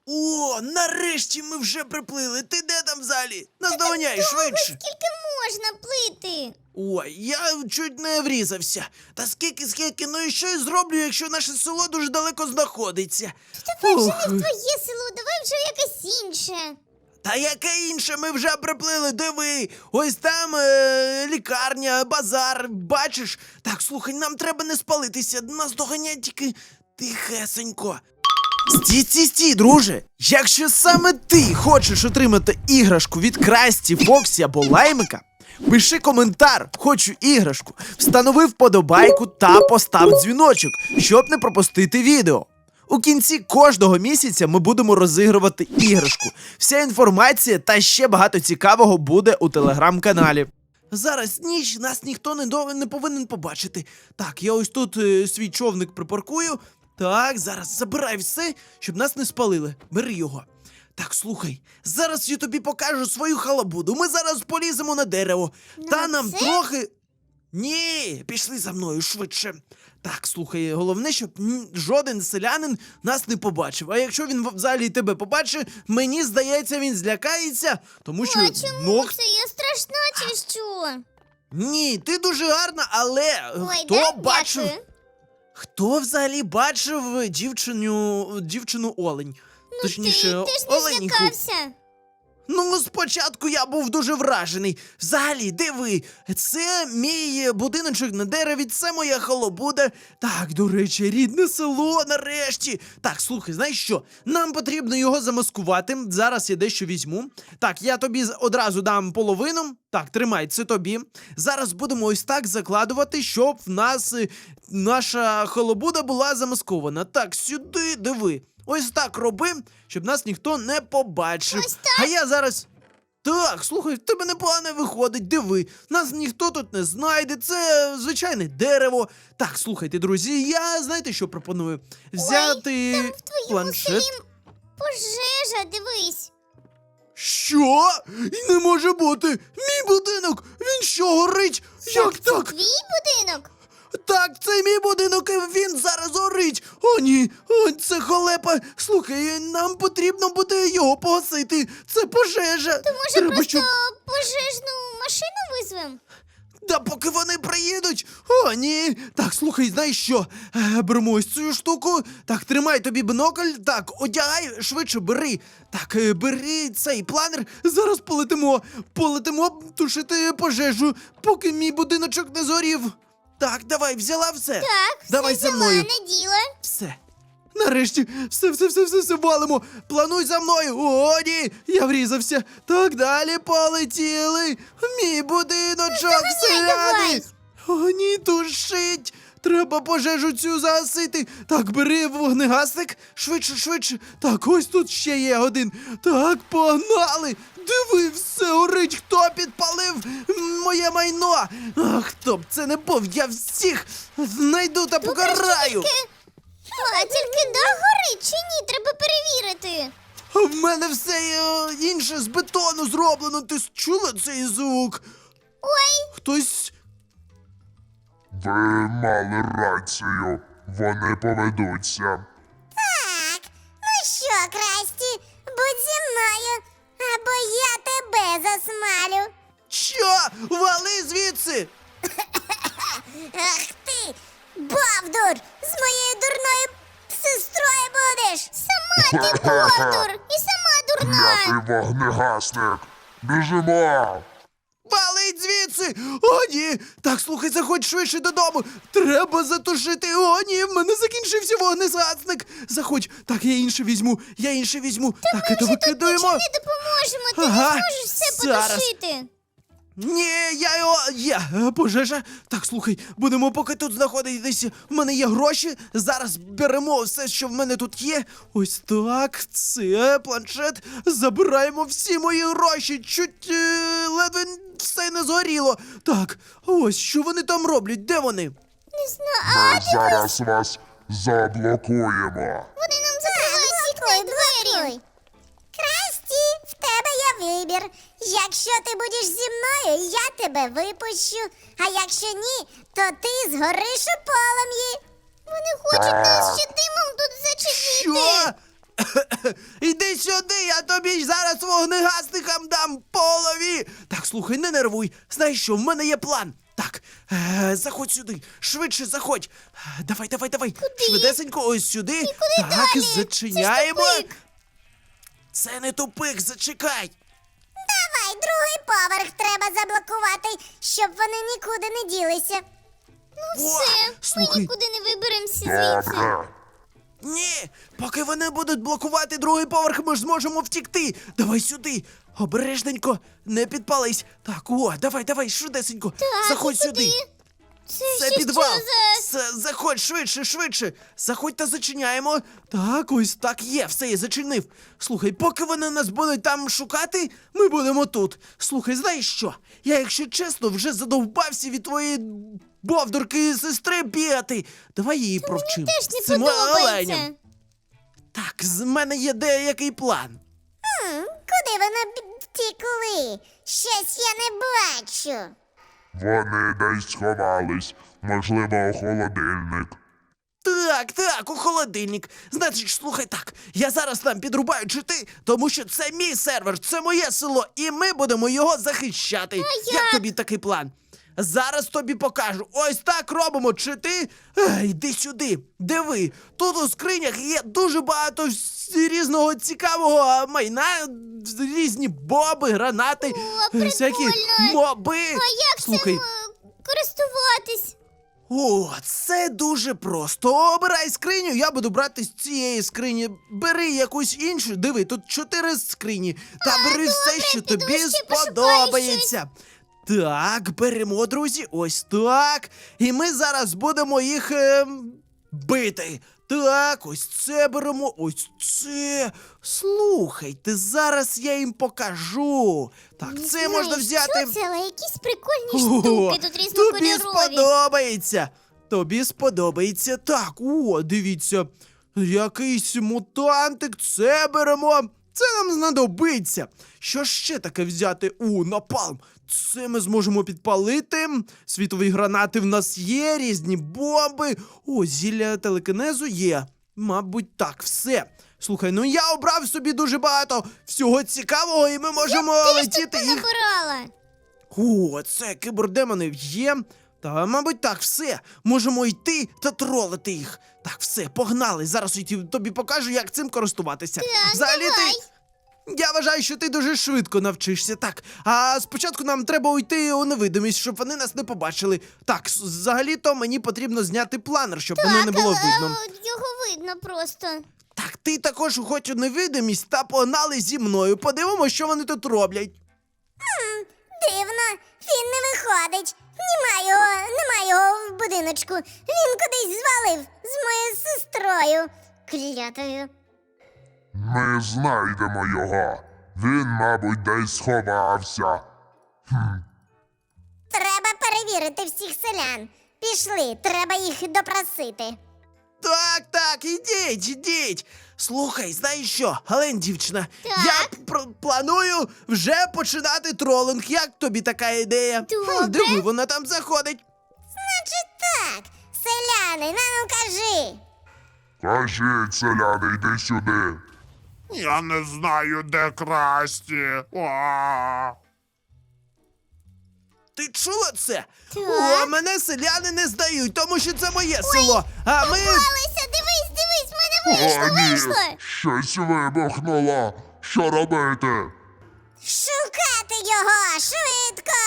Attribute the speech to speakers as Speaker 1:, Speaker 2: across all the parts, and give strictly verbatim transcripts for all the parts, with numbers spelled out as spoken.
Speaker 1: О, нарешті ми вже приплили. Ти де там взагалі? Наздоганяй швидше.
Speaker 2: Скільки можна плити?
Speaker 1: Ой, я чуть не врізався. Та скільки, скільки, ну і що я зроблю, якщо наше село дуже далеко знаходиться?
Speaker 2: Давай вже
Speaker 1: Ух.
Speaker 2: не в твоє село, давай вже в якесь інше.
Speaker 1: Та яке інше, ми вже приплили, диви. Ось там е, лікарня, базар, бачиш? Так, слухай, нам треба не спалитися, нас доганять тільки тихесенько. Стій, стій, стій, друже! Якщо саме ти хочеш отримати іграшку від Красті, Фоксі або Лаймика, пиши коментар «Хочу іграшку», встанови вподобайку та постав дзвіночок, щоб не пропустити відео. У кінці кожного місяця ми будемо розігрувати іграшку. Вся інформація та ще багато цікавого буде у телеграм-каналі. Зараз ніч, нас ніхто не, до... не повинен побачити. Так, я ось тут е, свій човник припаркую. Так, зараз забирай все, щоб нас не спалили. Бери його. Так, слухай, зараз я тобі покажу свою халабуду. Ми зараз поліземо на дерево. Та нам
Speaker 2: це?
Speaker 1: трохи... Ні, пішли за мною швидше. Так, слухай, головне, щоб м, жоден селянин нас не побачив. А якщо він взагалі тебе побачить, мені здається, він злякається, тому що...
Speaker 2: А чому
Speaker 1: ну,
Speaker 2: це? Я страшна чи що?
Speaker 1: ні, ти дуже гарна, але
Speaker 2: Ой,
Speaker 1: хто
Speaker 2: да?
Speaker 1: бачив...
Speaker 2: Дякую.
Speaker 1: Хто взагалі бачив дівчину, дівчину олень? Точніше,
Speaker 2: Ти, ти ж не
Speaker 1: оленіху.
Speaker 2: злякався.
Speaker 1: Ну, спочатку я був дуже вражений. Взагалі, диви, це мій будиночок на дереві, це моя халабуда. Так, до речі, рідне село нарешті. Так, слухай, знаєш що? Нам потрібно його замаскувати. Зараз я дещо візьму. Так, я тобі з- одразу дам половину. Так, тримай, це тобі. Зараз будемо ось так закладувати, щоб в нас е, наша халабуда була замаскована. Так, сюди, диви. Ось так роби, щоб нас ніхто не побачив.
Speaker 2: Ось так?
Speaker 1: А я зараз. Так, слухай, в тебе непогано виходить, диви. Нас ніхто тут не знайде, це звичайне дерево. Так, слухайте, друзі, я знаєте, що пропоную? Взяти
Speaker 2: Там в твоєму
Speaker 1: планшет.
Speaker 2: селі пожежа, дивись.
Speaker 1: Що? Не може бути! Мій будинок! Він що, горить? Як
Speaker 2: Це
Speaker 1: так?
Speaker 2: твій будинок?
Speaker 1: Так, це мій будинок, і він зараз горить. О, ні, о, це халепа. Слухай, нам потрібно буде його погасити. Це пожежа.
Speaker 2: То може
Speaker 1: Треба,
Speaker 2: просто
Speaker 1: щоб...
Speaker 2: пожежну машину визвем?
Speaker 1: Да поки вони приїдуть. О, ні. Так, слухай, знаєш що? Е, беремо ось цю штуку. Так, тримай тобі бінокль. Так, одягай, швидше бери. Так, е, бери цей планер. Зараз полетимо. Полетимо тушити пожежу, поки мій будиночок не згорів. Так, давай, взяла все.
Speaker 2: Так,
Speaker 1: Давай
Speaker 2: все
Speaker 1: за
Speaker 2: взяла,
Speaker 1: мною.
Speaker 2: не діла.
Speaker 1: Все. Нарешті, все, все, все, все, все валимо. Плануй за мною. О, ні, я врізався. Так, далі полетіли. Мій будиночок, селяни.
Speaker 2: давай.
Speaker 1: О, ні, тушить. Треба пожежу цю загасити. Так, бери вогнегасник. Швидше, швидше. Так, ось тут ще є один. Так, погнали. Диви, все горить. Хто підпалив моє майно? Ах, хто б це не був, я всіх знайду та покараю.
Speaker 2: А тільки дах горить чи ні? Треба перевірити.
Speaker 1: А в мене все е, інше з бетону зроблено. Ти чула цей звук?
Speaker 2: Ой,
Speaker 1: Хтось.
Speaker 3: Ви мали рацію. Вони поведуться.
Speaker 2: так. Ну що, Красті, будь зі мною, або я тебе засмалю.
Speaker 1: Що? Вали звідси!
Speaker 2: Ах ти, Бовдур, з моєю дурною сестрою будеш. Сама ти Бовдур і сама дурна.
Speaker 3: Клятий вогнегасник. Біжимо.
Speaker 1: Валить звідси! О, ні! Так, слухай, заходь швидше додому! Треба затушити! О, ні, в мене закінчився вогнезасник! Заходь! Так, я інше візьму, я інше візьму. так, це викидаємо.
Speaker 2: Не допоможемо, ти
Speaker 1: Ага,
Speaker 2: не зможеш все
Speaker 1: зараз.
Speaker 2: потушити.
Speaker 1: Ні, я його. Є е, пожежа. Так, слухай, будемо поки тут знаходитися. В мене є гроші. Зараз беремо все, що в мене тут є. Ось так. Це планшет. Забираємо всі мої гроші. Чуть е, ледве все не згоріло. Так, ось що вони там роблять? Де вони?
Speaker 2: Не знаю,
Speaker 3: Ми зараз вас заблокуємо.
Speaker 2: вони нам закривають вікна й двері. Красті, в тебе є вибір. Якщо ти будеш зі мною, я тебе випущу. А якщо ні, то ти згориш у полум'ї. Вони хочуть нас ще димом тут зачепити.
Speaker 1: Що? Іди сюди, я тобі зараз вогнегасникам дам по голові. Так, слухай, не нервуй. Знаєш що, в мене є план. Так, е, заходь сюди, швидше заходь. Е, Давай, давай, давай. Швидесенько, ось сюди.
Speaker 2: куди
Speaker 1: так,
Speaker 2: далі?
Speaker 1: зачиняємо.
Speaker 2: Це ж тупик.
Speaker 1: Це не тупик, зачекай.
Speaker 2: Давай, другий поверх треба заблокувати, щоб вони нікуди не ділися. Ну
Speaker 1: О,
Speaker 2: все,
Speaker 1: слухай.
Speaker 2: ми нікуди не виберемося звідси.
Speaker 3: Добре.
Speaker 1: Ні, поки вони будуть блокувати другий поверх, ми ж зможемо втікти. Давай сюди. Обережненько, не підпались. Так, о, давай, давай, швидесенько.
Speaker 2: Так,
Speaker 1: Заходь
Speaker 2: і
Speaker 1: сюди.
Speaker 2: куди? Це,
Speaker 1: Це
Speaker 2: ще
Speaker 1: підвал.
Speaker 2: що за...
Speaker 1: Це, заходь швидше, швидше. Заходь та зачиняємо. Так, ось так є, все, я зачинив. Слухай, поки вони нас будуть там шукати, ми будемо тут. Слухай, знаєш що? Я, якщо чесно, вже задовбався від твоєї бовдурки сестри бігати. Давай її провчимо.
Speaker 2: Теж не
Speaker 1: Цим
Speaker 2: подобається.
Speaker 1: оленям. Так, з мене є деякий план.
Speaker 2: М, Куди вони б- втікли? Щось я не бачу.
Speaker 3: Вони десь сховались. Можливо, у холодильник.
Speaker 1: Так, так, у холодильник. Значить, слухай так, я зараз там підрубаю чити, тому що це мій сервер, це моє село, і ми будемо його захищати. як?
Speaker 2: як?
Speaker 1: тобі такий план? Зараз тобі покажу. Ось так робимо чити. Ей, йди сюди, диви. Тут у скринях є дуже багато вс- різного цікавого майна, різні боби, гранати,
Speaker 2: О,
Speaker 1: всякі
Speaker 2: прикольно.
Speaker 1: моби.
Speaker 2: А як
Speaker 1: Слухай,
Speaker 2: цим е, користуватись?
Speaker 1: О, це дуже просто. Обирай скриню, я буду брати з цієї скрині. Бери якусь іншу. Диви, тут чотири скрині. Та бери все, що
Speaker 2: піду
Speaker 1: тобі
Speaker 2: ще пошукаю
Speaker 1: сподобається. Так, беремо, друзі, ось так. І ми зараз будемо їх ем, бити. Так, ось це беремо, ось це. Слухайте, зараз я їм покажу. Так,
Speaker 2: Не
Speaker 1: це
Speaker 2: знаю,
Speaker 1: можна взяти.
Speaker 2: Що це, але якісь прикольні
Speaker 1: О,
Speaker 2: штуки тут
Speaker 1: тобі
Speaker 2: різнокольорові.
Speaker 1: сподобається. Тобі сподобається. Так, о, дивіться. Якийсь мутантик, це беремо. Це нам знадобиться. Що ще таке взяти? О, напалм. Це ми зможемо підпалити. Світові гранати в нас є, різні бомби. О, зілля телекінезу є. Мабуть, так, все. Слухай, ну я обрав собі дуже багато всього цікавого, і ми можемо летіти їх.
Speaker 2: Набирала.
Speaker 1: О, це кібердемони є. Та, мабуть, так, все. Можемо йти та тролити їх. Так, все, погнали. Зараз я ті- тобі покажу, як цим користуватися.
Speaker 2: Так,
Speaker 1: Взагалі
Speaker 2: давай.
Speaker 1: ти. Я вважаю, що ти дуже швидко навчишся. Так, а спочатку нам треба уйти у невидимість, щоб вони нас не побачили. Так, с- взагалі-то мені потрібно зняти планер, щоб воно не було
Speaker 2: але,
Speaker 1: видно.
Speaker 2: е, Його видно просто.
Speaker 1: Так, ти також уходь у невидимість та погнали зі мною. Подивимося, що вони тут роблять.
Speaker 2: Дивно, він не виходить. Нема його, нема його в будиночку. Він кудись звалив з моєю сестрою. Клятою.
Speaker 3: Ми знайдемо його. Він, мабуть, десь сховався.
Speaker 2: Треба перевірити всіх селян. Пішли, треба їх допросити.
Speaker 1: Так, так, ідіть, ідіть. Слухай, знаєш що, Гален, дівчина,
Speaker 2: Так.
Speaker 1: я пр- планую вже починати тролинг. Як тобі така ідея?
Speaker 2: Добре.
Speaker 1: диви, вона там заходить.
Speaker 2: Значить так, селяни, на ну кажи.
Speaker 3: Кажіть, селяни, йди сюди.
Speaker 4: Я не знаю, де красті. А.
Speaker 1: Ти чула це?
Speaker 2: Так.
Speaker 1: О, мене селяни не здають, тому що це моє село. А ми.
Speaker 2: Попалися, дивись, дивись, в мене вийшло,
Speaker 3: О, ні,
Speaker 2: вийшло.
Speaker 3: щось вибухнуло. Що робити?
Speaker 2: Шукати його, швидко.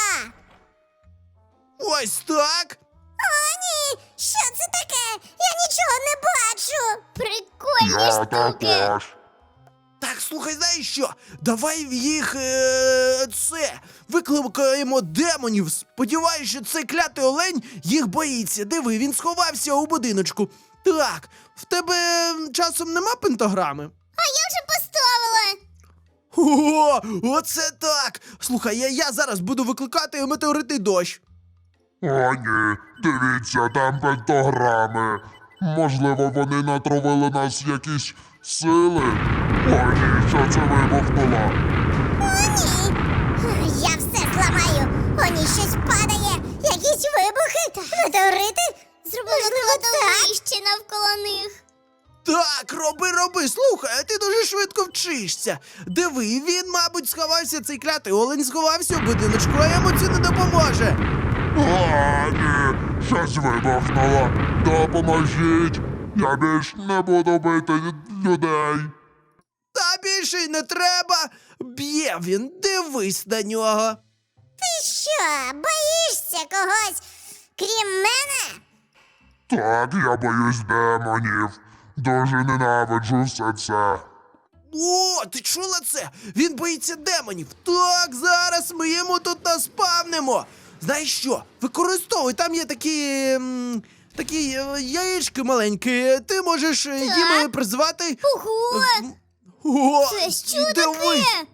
Speaker 1: Ось так.
Speaker 2: О, ні, що це таке? Я нічого не бачу. Прикольні
Speaker 3: Я
Speaker 2: штуки.
Speaker 3: також.
Speaker 1: Так, слухай, знаєш що? Давай в їх е, це викликаємо демонів. Сподіваюсь, що цей клятий олень їх боїться. Диви, він сховався у будиночку. Так, в тебе м, часом нема пентаграми?
Speaker 2: А я вже поставила.
Speaker 1: О, оце так! Слухай, я, я зараз буду викликати метеоритний дощ.
Speaker 3: О, ні, дивіться, там пентаграми. Можливо, вони натравили нас якісь сили. О, ні, що це вибухнуло?
Speaker 2: О, ні. Я все зламаю. О, ні, щось падає. Якісь вибухи. Метеорити. Зробили кладовище навколо них.
Speaker 1: Так, роби, роби. Слухай, а ти дуже швидко вчишся. Диви, він, мабуть, сховався, цей клятий олень сховався у будиночку, а йому це не допоможе.
Speaker 3: А, ні, щось вибухнуло. Допоможіть. Я більш не буду бити людей.
Speaker 1: Та більше й не треба. Б'є він, дивись на нього.
Speaker 2: Ти що, боїшся когось, крім мене?
Speaker 3: Так, я боюсь демонів. Дуже ненавиджу все це.
Speaker 1: О, ти чула це? Він боїться демонів. Так, зараз ми йому тут наспавнимо. Знаєш що? Використовуй, там є такі. м, такі е, яєчки маленькі. Ти можеш е, їм е, призвати.
Speaker 2: Ого!
Speaker 1: М, О,
Speaker 2: Це що
Speaker 1: і дивись.
Speaker 2: таке?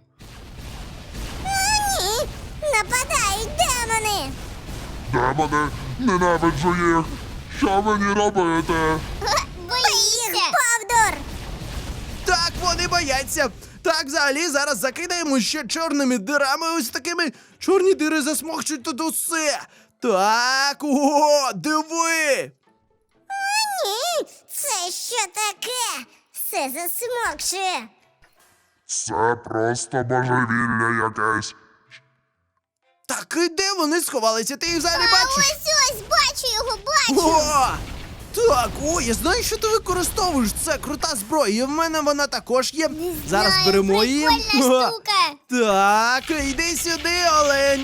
Speaker 2: О, ні! Нападають демони!
Speaker 3: Демони, ненавиджу їх. Що мені робити?
Speaker 2: Боїшся! Павдор!
Speaker 1: Так, вони бояться. Так, взагалі, зараз закидаємо ще чорними дирами. Ось такими чорні дири засмокчуть тут усе. Так, о, диви.
Speaker 2: Ні! Це що таке? Все засмокшує!
Speaker 3: Це просто божевілля якесь.
Speaker 1: Так, і де вони сховалися? Ти їх взагалі бачиш?
Speaker 2: Ось ось, бачу його, бачу!
Speaker 1: О! Так, о, я знаю, що ти використовуєш. Це крута зброя. І в мене вона також є. Зараз
Speaker 2: Знаю,
Speaker 1: беремо її.
Speaker 2: прикольна
Speaker 1: О,
Speaker 2: штука!
Speaker 1: Так, іди сюди, олень.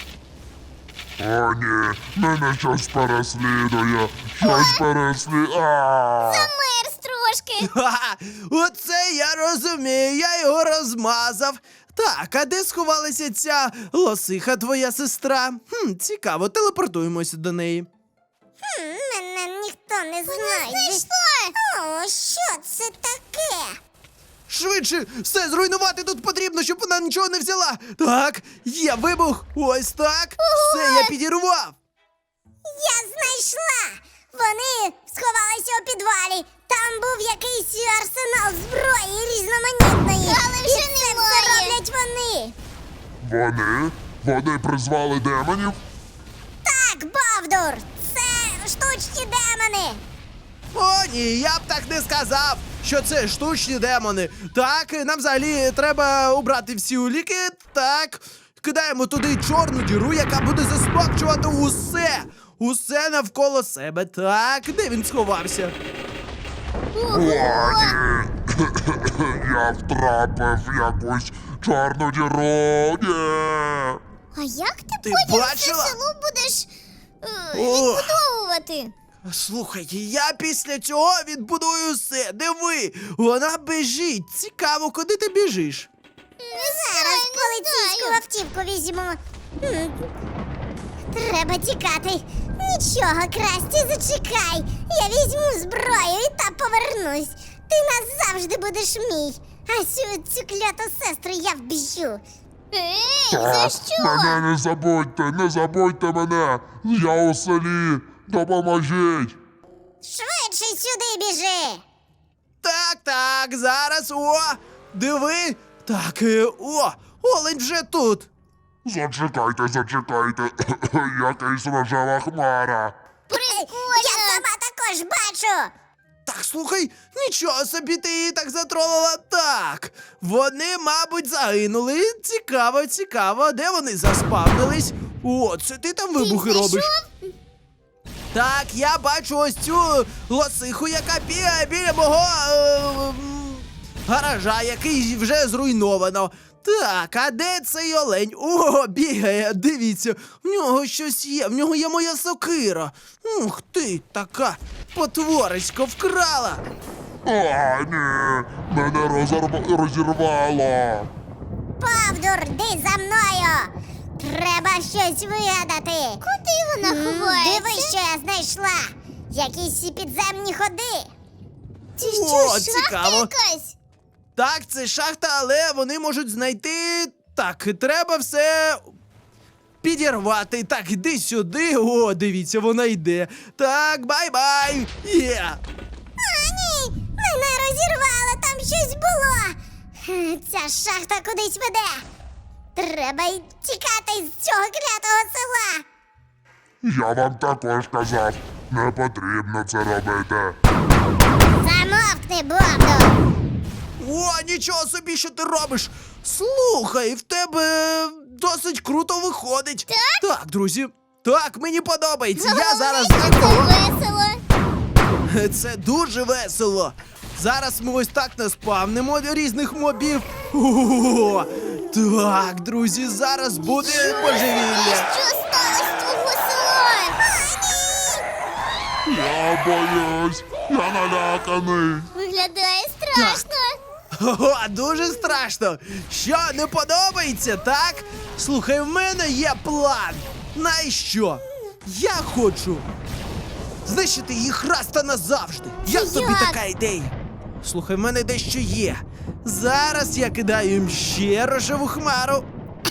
Speaker 3: О, ні, мене щось переслідує. Щось переслідує. А!
Speaker 2: Замерз трошки!
Speaker 1: Ха, оце я розумію, я його розмазав. Так, а де сховалася ця лосиха, твоя сестра? Хм, цікаво, телепортуємося до неї.
Speaker 2: Хм, мене ніхто не знайде. О, що це таке?
Speaker 1: Швидше, все зруйнувати тут потрібно, щоб вона нічого не взяла. Так, є вибух, ось так. Все, я підірвав.
Speaker 2: Я знайшла! Вони сховалися у підвалі. Там був якийсь арсенал зброї різноманітної. Але вже І це все роблять вони.
Speaker 3: Вони? Вони призвали демонів?
Speaker 2: Так, Бавдур, це штучні демони.
Speaker 1: О, ні, я б так не сказав, що це штучні демони. Так, нам взагалі треба убрати всі уліки. Так, кидаємо туди чорну діру, яка буде засмокчувати усе. Усе навколо себе. Так, де він сховався?
Speaker 3: О, ні. Я втрапив в якусь чорну діру. Ні.
Speaker 2: А як ти,
Speaker 1: Ти
Speaker 2: потім
Speaker 1: бачила?
Speaker 2: це село будеш е,
Speaker 1: О.
Speaker 2: відбудовувати?
Speaker 1: Слухай, я після цього відбудую все. Диви, вона біжить. Цікаво, куди ти біжиш?
Speaker 2: Зараз поліцейську автівку візьму. М, Треба тікати. Нічого, Красті, зачекай. Я візьму зброю і та повернусь. Ти назавжди будеш мій. А цю, цю кляту сестру я вб'ю. Ей,
Speaker 3: Так, мене не забудьте, не забудьте мене. Я у селі. Допоможіть.
Speaker 2: Швидше сюди біжи.
Speaker 1: Так, так, зараз. О, диви. Так, е, о, олень вже тут.
Speaker 3: Зачекайте, зачекайте. Якась рожева хмара.
Speaker 2: Я сама також бачу.
Speaker 1: Так, слухай, нічого собі ти її так затролила. Так, вони, мабуть, загинули. Цікаво, цікаво, де вони заспавнились? О, це ти там вибухи робиш? Так, я бачу ось цю лосиху, яка бігає біля мого е, м, гаража, який вже зруйновано. Так, а де цей олень? О, бігає, дивіться, в нього щось є, в нього є моя сокира. Ух ти, така потворисько вкрала.
Speaker 3: А, ні, мене розорв... розірвало.
Speaker 2: Павдур, йди за мною. Треба щось вигадати. Куди вона ховається? Диви, що я знайшла. Якісь підземні ходи. Це
Speaker 1: О, цікаво.
Speaker 2: якась?
Speaker 1: Так, це шахта, але вони можуть знайти. Так, треба все підірвати. Так, іди сюди. О, дивіться, вона йде. Так, бай-бай. Є.
Speaker 2: А, ні, мене розірвало, там щось було. Хм, Ця шахта кудись веде. Треба й тікати з цього клятого села.
Speaker 3: Я вам також казав, не потрібно це робити.
Speaker 2: Замовкни! Запусти бомбу.
Speaker 1: О, нічого собі, що ти робиш! Слухай, в тебе досить круто виходить.
Speaker 2: Так?
Speaker 1: Так, друзі. Так, мені подобається. Я
Speaker 2: Головне,
Speaker 1: зараз
Speaker 2: що це
Speaker 1: знайду.
Speaker 2: весело.
Speaker 1: Це дуже весело. Зараз ми ось так наспавнимо різних мобів. О, так, друзі, зараз буде божевілля.
Speaker 2: Що сталося з твого села?
Speaker 3: Я боюсь, я наляканий.
Speaker 2: Виглядає страшно.
Speaker 1: Ого, дуже страшно. Що, не подобається, так? Слухай, в мене є план. Знаєш що? Я хочу знищити їх раз та назавжди. Як тобі
Speaker 2: як?
Speaker 1: така ідея? Слухай, в мене дещо є. Зараз я кидаю їм ще рожеву хмару.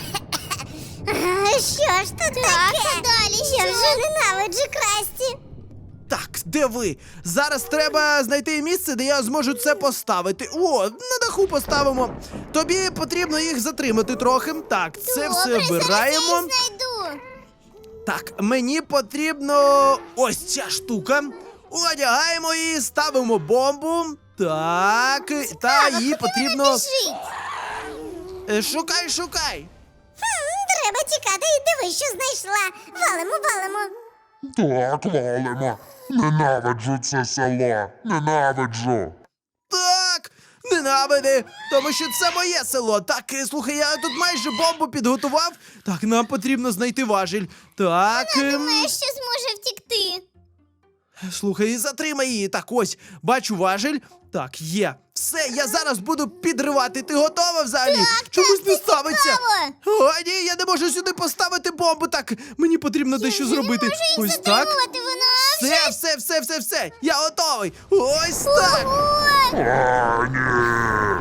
Speaker 2: А, що ж тут таке? Далі я вже ненавиджу Красті.
Speaker 1: Так, де ви? Зараз треба знайти місце, де я зможу це поставити. О, на даху поставимо. Тобі потрібно їх затримати трохи. Так, це все
Speaker 2: Добре, зараз
Speaker 1: вбираємо.
Speaker 2: я їх знайду.
Speaker 1: Так, мені потрібно ось ця штука. Одягаємо її, ставимо бомбу. Так, та
Speaker 2: Ава,
Speaker 1: її
Speaker 2: куди вона
Speaker 1: потрібно.
Speaker 2: біжить?
Speaker 1: Е, Шукай, шукай.
Speaker 2: Хм, треба тікати і диви, що знайшла. Валимо, валимо.
Speaker 3: Так, валимо. Ненавиджу це село. Ненавиджу.
Speaker 1: Так, ненавиди, тому що це моє село. Так, е, слухай, я тут майже бомбу підготував. Так, нам потрібно знайти важіль. Так. ем,
Speaker 2: Думаєш, що зможе втікти?
Speaker 1: Слухай, затримай її. Так, ось, бачу важіль. Так, є. Все, я зараз буду підривати. Ти готова взагалі?
Speaker 2: Так,
Speaker 1: Чомусь
Speaker 2: так,
Speaker 1: не
Speaker 2: це
Speaker 1: ставиться.
Speaker 2: цікаво.
Speaker 1: О, ні, я не можу сюди поставити бомбу. Так, мені потрібно дещо зробити.
Speaker 2: Не можу їх
Speaker 1: Ось так.
Speaker 2: затримувати, вона
Speaker 1: Все, все, все, все, все. Я готовий. Ось так.
Speaker 2: Ого!
Speaker 3: А, ні.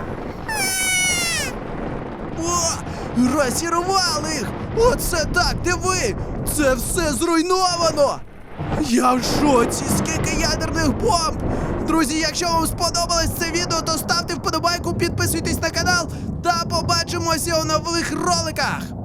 Speaker 1: О, розірвали їх. Оце так, диви. Це все зруйновано. Я в шоці, скільки ядерних бомб! Друзі, якщо вам сподобалось це відео, то ставте вподобайку, підписуйтесь на канал та побачимося у нових роликах!